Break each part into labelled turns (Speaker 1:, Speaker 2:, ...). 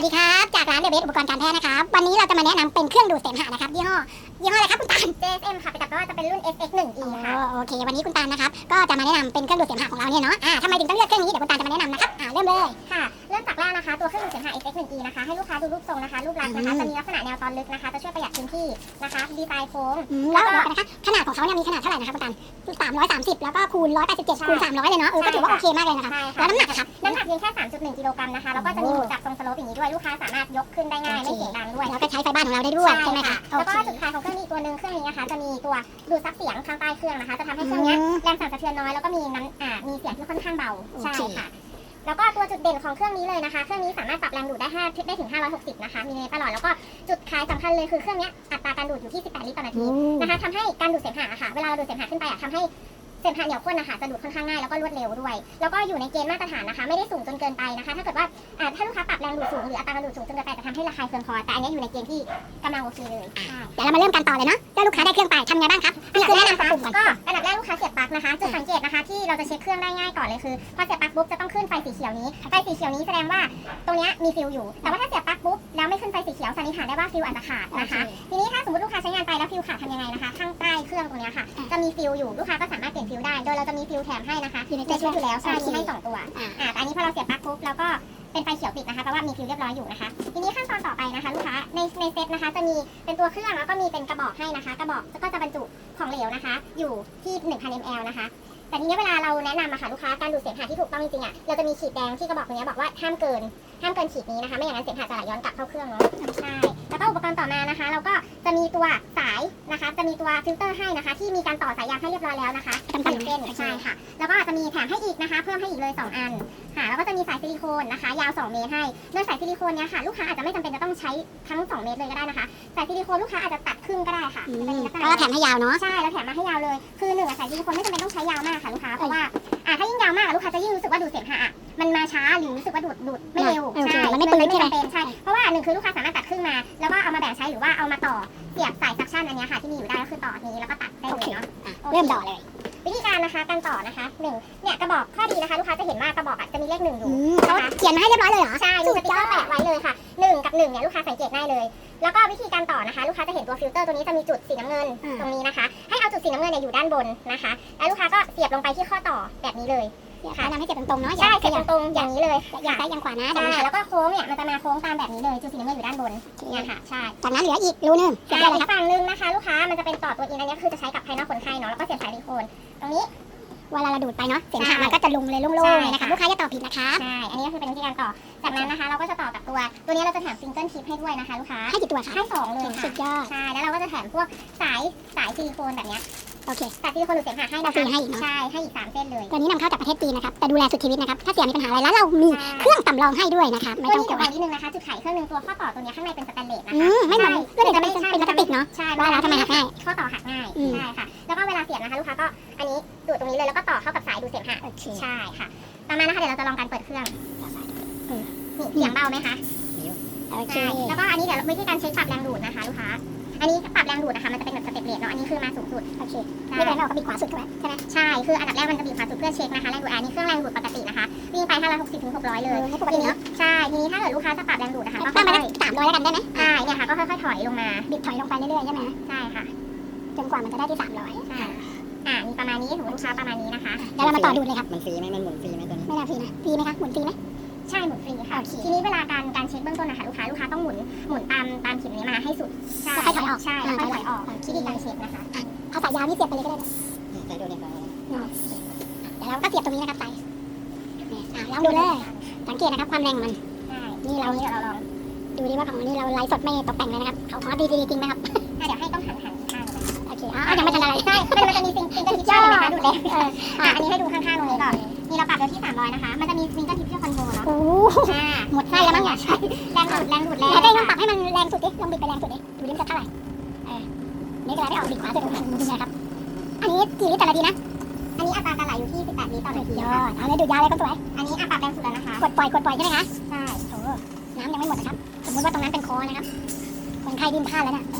Speaker 1: สดีครับจากร้านเดอะเบสอุปกรณ์การแพทย์นะครับวันนี้เราจะมาแนะนำเป็นเครื่องดูดเสมหะนะครับยี่ห้ออะไรครับคุณตาล
Speaker 2: JSM ค่ะแต่ว่าจะเป็นรุ่น FX1E ค่ะ
Speaker 1: โอเควันนี้คุณตาลนะครับก็จะมาแนะนำเป็นเครื่องดูดเสมหะของเราเนี่ยเนาะทำไมถึงต้องเลือกเครื่องนี้เดี๋ยวคุณตาลจะมาแนะนำนะครับเริ่มเลย
Speaker 2: ค่ะเริ่มจากแรกนะคะตัวเครื่องดูดเสมหะ FX1E นะคะให้ลูกค้าดูรูปทรงนะคะรูปลักษณ์นะคะจะมีลักษณะแนวตอนลึกนะคะจะช่วยประหยัดพื้นที่นะคะดีไซน์โค้ง
Speaker 1: แล้วเดี๋ยวกันนะคะขนาดของเขาเนี่ยมีขนาดเท่าไหร่นะครับคุณตาล330แล้วก็คูณ187คูณ300เลยเนาะก็ถือว่าโอเคมากเลยนะครับแล้วน้ำหนักอะครับ
Speaker 2: น้ำหนักเพียงแค่ 3.1 กิโลกรัมนะคะแล้วก็จะมีหมุนจับทรงสโลปอย่างนี้ด้วยลูกค้าสามารถยกขึ้นได้ง่ายไม่เสียงดังด้วย
Speaker 1: แล้วก็ใช้ไฟบ้านของเราได้ด้วยใช่ไหมคะ
Speaker 2: แล้วก็จุดขายของเครื่องนี้ตัวหนึ่งเครื่องนี้นะคะจะมีตัวดูดซับเสียงข้างใต้เครื่องนะคะจะทำให้เครื่องนี้แรงสั่นสะเทือนน้อยแล้วก็มีมีเสียงที่ค่อนข้างเบาใช่ค่ะแล้วก็ตัวจุดเด่นของเครื่องนี้เลยนะคะเครื่องนี้สามารถปรับแรงดูดได้ถึง560นะคะมีในตลอดแล้วก็จุดขายสำคัญเลยคือเครื่องนี้อัตราการดูดอยู่ที่18ลิตรต่อนาทีนะคะทำให้การดูดเสมหะค่ะเวลาเราดูดเสมหะขึ้นไปทำให้เสมหะเหนียวข้นนะคะจะดูดค่อนข้างง่ายแล้วก็รวดเร็วด้วยแล้วก็อยู่ในเกณฑ์มาตรฐานนะคะไม่ได้สูงจนเกินไปนะคะถ้าเกิดว่าถ้าลูกค้าปรับแรงดูดสูงหรืออัตราการดูดสูงจนเกินไปจะทำให้ระคายเคืองคอแต่อันนี้อยู่ในเกณฑ์ที่กำลังโอเคเลย
Speaker 1: เดี๋ยวเรามาเริ่มกันต่อเลยเนาะถ้าลูกค้าได้เครื่องไปทำไงบ้างครับอันดับแรกนะคะ
Speaker 2: ก็อันดับแรกลูกค้าเสียบปลั๊กนะคะจุดสังเกตนะคะที่เราจะเช็คเครื่องได้ง่ายก่อนเลยคือพอเสียบปลั๊กปุ๊บจะต้องขึ้นไฟสีเขียวนี้ไฟสีเขียวนี้แสดงว่าตรงนี้มีฟิวอยู่แต่ว่าถ้าเสียบปลั๊กปุ๊บแล้วไม่ขึ้นไฟสีเขียวสันนิษฐานได้ว่าฟิวอาจจะขาดนะคะทีนี้ถ้าสมมติลูกค้าใช้งานไปแล้วฟิวขาดทำยังไงนะคะข้างใต้เครื่องตรงนี้ค่ะจะมีฟิวอยู่ลูกค้าก็สามารถเปลี่ยนฟิวได้โดยเราจะมีฟิวแถมให้นะคะในชุดอยู่แล้วใช่มีให้2ตัวแต่อันนี้พอเราเสียบปลั๊กปุ๊บแล้วก็เป็นไฟเขียวติดนะคะเพราะว่ามีฟิวเรียบร้อยอยู่นะคะทีนี้ขั้นตอนต่อไปนะคะลูกค้าในเซตนะคะจะมีเป็นตัวเครื่องแล้วก็มีเป็นกระบอกให้นะคะกระบอกก็จะบรรจุของเหลวนะคะอยู่ที่ 1,000 ml นะคะแต่ทีนี้เวลาเราแนะนำค่ะลูกค้าการดูดเสมหะที่ถูกต้องจริงๆเราจะมีขีดแดงที่กระบอกตรงนี้บอกว่าห้ามเกินขีดนี้นะคะไม่อย่างนั้นเสมหะจะไหลย้อนกลับเข้าเครื่องเนาะใช่แล้วก็อุปกรณ์ต่อมานะคะเราก็จะมีตัวสายนะคะจะมีตัวฟิลเตอร์ให้นะคะที่มีการต่อสายยางให้เรียบร้อยแล้วนะคะ1 เส้นใช่ค่ะแล้วก็จะมีแถมให้อีกนะคะเพิ่มให้อีกเลย2 อันค่ะแล้วก็จะมีสายซิลิโคนนะคะยาว2 เมตรให้โดยสายซิลิโคนเนี้ยค่ะลูกค้าอาจจะไม่จำเป็นจะต้องใช้ทั้ง2 เมตรเลยก็ได้นะคะสายซิลิโคนลูกค้าอาจจะตัดครึ่งก็ได้ค่ะ
Speaker 1: ก็แถมให้ยาวเนาะ
Speaker 2: ใช่แล้วแถมมาให้ยาวเลยคือสายซิลิโคนไม่จำเป็นต้องใช้ยาวมากค่ะลูกค้าเพราะว่าถ้ายิ่งยาวมากลูกค้าจะยิ่งรู้สึกว่าดูดเสมหะมันมาช้าหรือรู้สึกว่าดูดไม่เร็วใช่
Speaker 1: มันไม่ปืนใช่ไหม
Speaker 2: ใช่เพราะว่า1คือลูกค้าสามารถตัดครึ่งมาแล้วก็เอามาแบ่งใช้หรือว่าเอามาต่อเสียบสายซักชั่นอันนี้ค่ะที่มีอยู่ได้ก็คือต่อนี้แล้วก็ตัดได้เลยเนาะ
Speaker 1: เริ่มต่อเลย
Speaker 2: วิธีการนะคะการต่อนะคะเนี่ยกระบอกข้อดีนะคะลูกค้าจะเห็นว่ากระบอกจะมีเลข1อยู่
Speaker 1: เขาเขียนมาให้เรียบร้อยเลยเหรอ
Speaker 2: ใช่มีสติ๊กเกอร์แปะไว้เลยค่ะ1กับ1เนี่ยลูกค้าสังเกตได้เลยแล้วก็วิธีการต่อนะคะลูกค้าจะเห็นตัวฟิลเตอร์ตัวนี้จะมีจุดสีน้ำเงินตรงนี้นะคะให้เอาจุดสีน้ำเงินอยู่ด้านบนนะคะแล้วลูกค้าก็เสียบลงไปที่ข้อต่อแบบนี้เลย
Speaker 1: ค่ะทำให้เสียบตรงๆเนาะ
Speaker 2: ใช่เสียบตรงๆอย่างนี้เลย
Speaker 1: อย่างซ้ายอย่างขวานะ
Speaker 2: ใช่แล้วก็โค้งเนี่ยมันจะมาโค้งตามแบบนี้เลยจุดสีน้ำเงินอยู่ด้านบนเนี่ยค่ะใช่
Speaker 1: จากนั้นเหลืออีกรูนึง
Speaker 2: อีกฝั่งนึงนะคะลูกค้ามันจะเป็นต่อตัวอินอันนี้คือจะใช้กับภายนอกคนไข้เนาะแล้วก็เสียบสายซิลิโคนตรงนี้
Speaker 1: เวลาเราดูดไปเนาะเสียงหะมันก็จะลงเลยโล่งๆเลยนะคะลูกค้าอย่าต่อผิดนะคะ
Speaker 2: ใช่อันนี้ก็คือเป็นวิธีการต่อจากนั้นนะคะเราก็จะต่อกับตัวนี้เราจะแถมซิงเกิลทิปให้ด้วยนะคะลูกค้า
Speaker 1: ให้กี่ตัวคะ
Speaker 2: ให้2เลย
Speaker 1: สุดยอด
Speaker 2: ใช่แล้วเราก็จะแถมพวกสายซิลิโคนแบบนี้
Speaker 1: โอเค
Speaker 2: สายซิลิโคนดูดเสมหะให้นะคะใช่ให้อีก3 เส้นเลย
Speaker 1: ตัวนี้นำเข้าจากประเทศจีนนะครับแต่ดูแลสุดชีวิตนะครับถ้าเสียมีปัญหาอะไรแล้วเรามีเครื่องสำรองให้ด้วยนะคะไม่ต้อง
Speaker 2: กลัวนิดนึงนะคะจุดไขเครื่องนึงตัวข้อต่อตัวนี้ข้างในเป็นสแตนเลสนะคะ
Speaker 1: ไม่เหมือนเพื่อนจะเป็นพลาสติกเนาะ
Speaker 2: ใช่
Speaker 1: ว่าแล้วทำไมหักง่าย
Speaker 2: ข้อต่อหักง่ายใช่ค่ะแล้วก็เวลาเสียบนะคะลูกค้าก็อันนี้ดูดตรงนี้เลยแล้วก็ต่อเข้ากับสายดูดเสมหะใช่ค่ะต่อมานะคะเดี๋ยวเราจะลองการเปิดเครื่องนี่เสียงเบาไหมคะ
Speaker 1: โอเค
Speaker 2: แล้วก็อันนี้เดี๋ยววิธีการเช็คปรับแรงดูดนะคะลูกค้าอันนี้ปรับแรงดูดนะคะมันจะเป็นแบบสเต็ปเรทเนาะอันนี้คือมาสูงสุด
Speaker 1: โอเคนี่เป็นเราก็บีบขวาสุดถูกไหมใช่ไหม
Speaker 2: ใช่คืออันดับแรกมันจะบีบขวาสุดเพื่อเช็คนะคะแรงดูดอันนี้เครื่องแรงดูดปกตินะคะวิ่งไป560 ถึง 600เลย
Speaker 1: ปกติเนาะ
Speaker 2: ใช่ทีนี้ถ้าเกิดลูกค้าจะปรับแรงดูดนะคะก็
Speaker 1: ตั้งมาได้300แล้วกันได้ไหม
Speaker 2: ใช่เนี่ยค่ะก็ค่อยๆถอยลงมา
Speaker 1: บิดถอยลงไปเรื่อยๆใช่ไหม
Speaker 2: ใช่ค่ะ
Speaker 1: จนกว่ามันจะได้ที่300
Speaker 2: ใช่มีประมาณนี้ถึงลูกค้าประมาณนี้นะคะ
Speaker 1: เดี๋ยวเรามาต่อดูเลยครับ
Speaker 3: มันฟรีไหมมันหมุนฟรีไหมตัวนี้
Speaker 1: ไม่น่าฟรีนะฟรีไหมคะหมุนฟรีไหม
Speaker 2: ใช่หมุนฟรีค่ะทีนี้เวลาการเช็คเบื้องต้นนะคะลูกค้าต้องหมุนตามเข็มนี้มาให้สุด
Speaker 1: ใช่ค่อยถอยออก
Speaker 2: ใช่ค่อยถอยออกวิธีการเช็คนะคะ
Speaker 1: เอาสายยาวนี่เสียบไปเลยก็ได้
Speaker 3: ใส่ดูเนี่ย
Speaker 1: เดี๋ยวเราก็เสียบตรงนี้นะครับใส่ลองดูเลยสังเกตนะครับความแรงมัน
Speaker 2: นี่เราลอง
Speaker 1: ดูดิว่าของนี่เราไลฟ์สดไม่ตกแต่งเลยนะครับเขาดีจริงไหมครับ
Speaker 2: เดี๋ยวให้ต้องหันข้าง
Speaker 1: โอเคยังไม่ทันอะไร
Speaker 2: ใช่มันจะมีซิงเกิลทิปใช่ไหมคะดูเลยอันนี้ให้ดูข้างๆตรงนี้ก่อนนี่เราปรับเดี๋ยวที่300นะคะมันจะมีซิงเกิลทิปที่คอนโทรลเนาะ
Speaker 1: หมดไส้แล้วมั้ง
Speaker 2: ใช่แรงดูด
Speaker 1: ได้ลองปรับให้มันแรงสุดดิลองบิดไปแรงสุดดิดูดิมันจะเท่าไหร่นี่ก็ได้ออกบิดขวาสุดดูนะครับอันนี้กี่ลิตรต่อนาทีนะ
Speaker 2: อันนี้อัตราการไหลอยู่ที่18 ลิตรต่อนาที
Speaker 1: เอาเลยดูดยาวเลยคนสวย
Speaker 2: อันนี้ปรับแรงสุดแล้วนะคะ
Speaker 1: กดปล่อยใช่ไหมคะ
Speaker 2: ใช่
Speaker 1: โอ้น้ำยังไม่หมดนะครับสมมติว่าตรงนั้นเป็นคอนะครับคนไข้ดิ้นพลาดแล้วนะ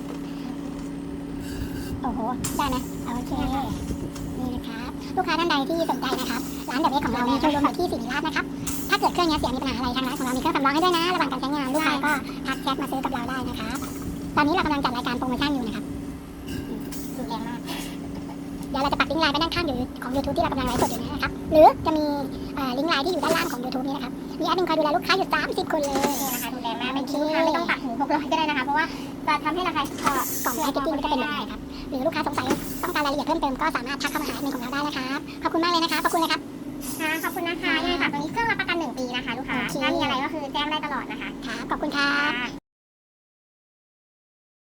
Speaker 1: โอ้โหได้ไหมโอเคนี่นะครับลูกค้าท่านใดที่สนใจนะครับร้านเดอะเบสของเรามีโชว์รูมอยู่ที่ศิริราชนะครับถ้าเกิดเครื่องนี้เสียมีปัญหาอะไรทางร้านของเรามีเครื่องสำรองให้ด้วยนะระหว่างการใช้งานลูกค้าก็ทักแชทมาซื้อกับเราได้นะครับตอนนี้เรากำลังจัดรายการโปรโมชั่นอยู่นะครับ
Speaker 2: ดูแรงมาก
Speaker 1: เดี๋ยวเราจะปักลิงก์ไลน์ไปด้านข้างของ YouTube ที่เรากำลังไลฟ์สดอยู่นะครับหรือจะมีลิงก์ไลน์ที่อยู่ด้านล่างของ YouTube นี้นะครับมีแอดมินคอยดูแลลูกค้าอยู่30 คนเลย
Speaker 2: นี่นะคะดูแรงมากไม่ลูกค้าไม่ต้องตัดหู600ก็ได้นะคะเพราะว่าจะทำให้ราคาก
Speaker 1: ล่องแพ็กเกจจิ้งก็จะเป็นแบบนี้ครับหรือลูกค้าสงสัยต้องการรายละเอียดเพิ่มเติมก็สามารถทักเข้ามาหาแอดมินของเราได้นะครับขอบคุณมากเลยนะครับขอบคุณนะครับ
Speaker 2: ค่ะขอบคุณนะคะยังไงฝากตัวนี้เครื่องรับประกัน1 ปีนะคะลูกค้า
Speaker 1: โอเค
Speaker 2: ถ้ามีอะไรก็คือแจ้งได้ตลอดนะคะ